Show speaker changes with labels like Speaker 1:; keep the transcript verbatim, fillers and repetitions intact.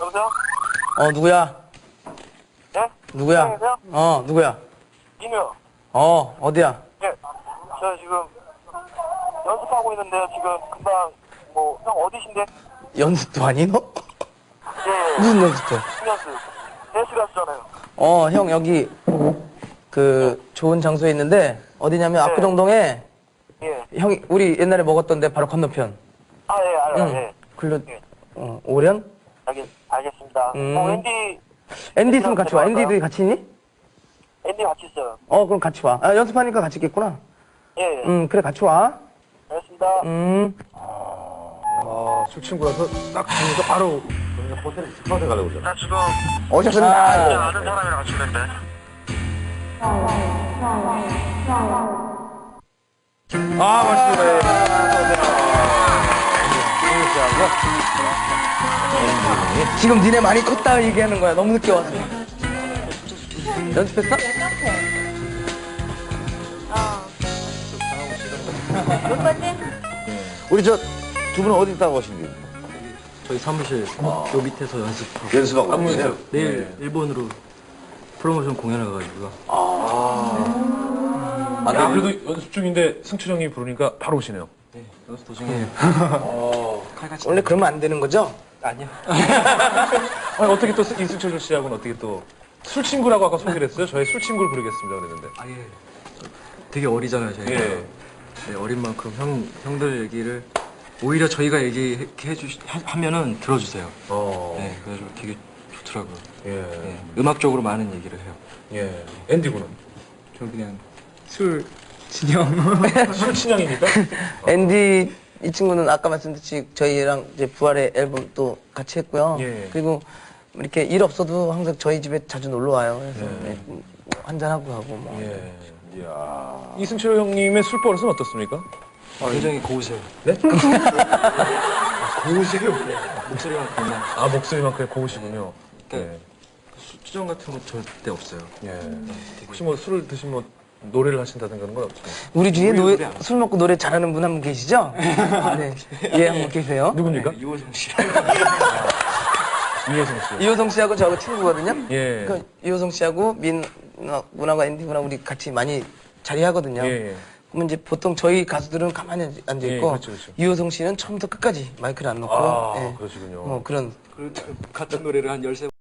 Speaker 1: 여보세요?
Speaker 2: 어, 누구야?
Speaker 1: 네?
Speaker 2: 누구야?
Speaker 1: 안녕하세요?
Speaker 2: 어, 누구야?
Speaker 1: 이누요.
Speaker 2: 어, 어디야?
Speaker 1: 네. 저 지금 연습하고 있는데 지금 금방 뭐 형 어디신데?
Speaker 2: 연습도 아니, 너?
Speaker 1: 예.
Speaker 2: 무슨 연습해?
Speaker 1: 연습. 댄스 가수잖아요.
Speaker 2: 어, 형, 여기, 그, 좋은 장소에 있는데, 어디냐면,
Speaker 1: 네.
Speaker 2: 압구정동에,
Speaker 1: 예.
Speaker 2: 형이, 우리 옛날에 먹었던 데 바로 건너편.
Speaker 1: 아, 예, 알아요.
Speaker 2: 응.
Speaker 1: 예.
Speaker 2: 글로,
Speaker 1: 예.
Speaker 2: 어, 오련?
Speaker 1: 알겠, 알겠습니다.
Speaker 2: 음.
Speaker 1: 어, 앤디,
Speaker 2: 앤디 있으면 같이 와.
Speaker 1: 데려갈까요?
Speaker 2: 앤디도 같이 있니?
Speaker 1: 앤디 같이 있어요.
Speaker 2: 어, 그럼 같이 와. 아, 연습하니까 같이 있겠구나.
Speaker 1: 예, 예.
Speaker 2: 음, 그래, 같이 와.
Speaker 1: 알겠습니다.
Speaker 2: 음.
Speaker 3: 아, 술 친구라서 딱 보니까 바로 그러니까 호텔 스카우트 가려고 그러잖아.
Speaker 1: 나 지금
Speaker 2: 오셨습니다.
Speaker 1: 진짜 아는 사람이랑 같이 있는데.
Speaker 3: 아, 맞습니다.
Speaker 2: 지금 니네 많이 컸다 얘기하는 거야. 너무 늦게 와서. 연습했어?
Speaker 4: 몇 번째?
Speaker 3: 우리 저 두 분은 어디 있다고 하신지
Speaker 5: 저희 사무실 요 밑에서 연습하고
Speaker 3: 연습하고 계세요?
Speaker 5: 내일 일본으로 프로모션 공연을 가가지고요.
Speaker 3: 아, 네, 그래도 연습 중인데 승철 형이 부르니까 바로 오시네요.
Speaker 5: 네, 연습 도중에 칼같이
Speaker 2: 원래 그러면 안 되는 거죠?
Speaker 5: 아니요.
Speaker 3: 아니, 어떻게 또 이승철 씨하고는 어떻게 또 술 친구라고 아까 소개를 했어요? 저희 술 친구를 부르겠습니다 그랬는데.
Speaker 5: 아예 되게 어리잖아요 저희가.
Speaker 3: 예.
Speaker 5: 네, 어린 만큼 형 형들 얘기를 오히려 저희가 얘기해 주시 하면은 들어주세요.
Speaker 3: 어.
Speaker 5: 네, 그래서 되게 좋더라고요.
Speaker 3: 예.
Speaker 5: 네, 음악적으로 많은 얘기를 해요.
Speaker 3: 예. 앤디군은?
Speaker 5: 저 그냥 술 진영.
Speaker 3: 술 친형입니까?
Speaker 2: 앤디 이 친구는 아까 말씀드렸듯이 저희랑 이제 부활의 앨범 또 같이 했고요.
Speaker 3: 예.
Speaker 2: 그리고 이렇게 일 없어도 항상 저희 집에 자주 놀러 와요. 그래서 네, 뭐 한잔하고 하고 뭐.
Speaker 3: 예. 이야. 이승철 형님의 술 버릇은 어떻습니까?
Speaker 5: 굉장히 고우세요.
Speaker 3: 네?
Speaker 5: 고우세요? 목소리만 그냥.
Speaker 3: 아, 목소리만큼 고우시군요.
Speaker 5: 네.
Speaker 3: 예.
Speaker 5: 수정 같은 거 절대 없어요.
Speaker 3: 예. 혹시 뭐 술을 드시면 뭐 노래를 하신다든가 그런 건 없어요?
Speaker 2: 우리 중에
Speaker 5: 우리
Speaker 2: 노래,
Speaker 5: 노래 안
Speaker 2: 술 먹고 노래 잘하는 분 한 분 계시죠? 네. 예, 한 분 계세요.
Speaker 3: 누굽니까?
Speaker 5: 이호정 씨.
Speaker 3: 이혜성 씨.
Speaker 2: 이호성 씨하고 저하고 친구거든요.
Speaker 3: 예.
Speaker 2: 그 이호성 씨하고 민 누나가 앤디 누나 우리 같이 많이 자리하거든요.
Speaker 3: 예, 예.
Speaker 2: 그러면 이제 보통 저희 가수들은 가만히 앉아
Speaker 3: 예,
Speaker 2: 있고
Speaker 3: 그렇죠, 그렇죠.
Speaker 2: 이호성 씨는 처음부터 끝까지 마이크를 안 놓고
Speaker 3: 아,
Speaker 2: 예.
Speaker 3: 그러시군요.
Speaker 2: 뭐 그런
Speaker 5: 그 같은 노래를 한 열세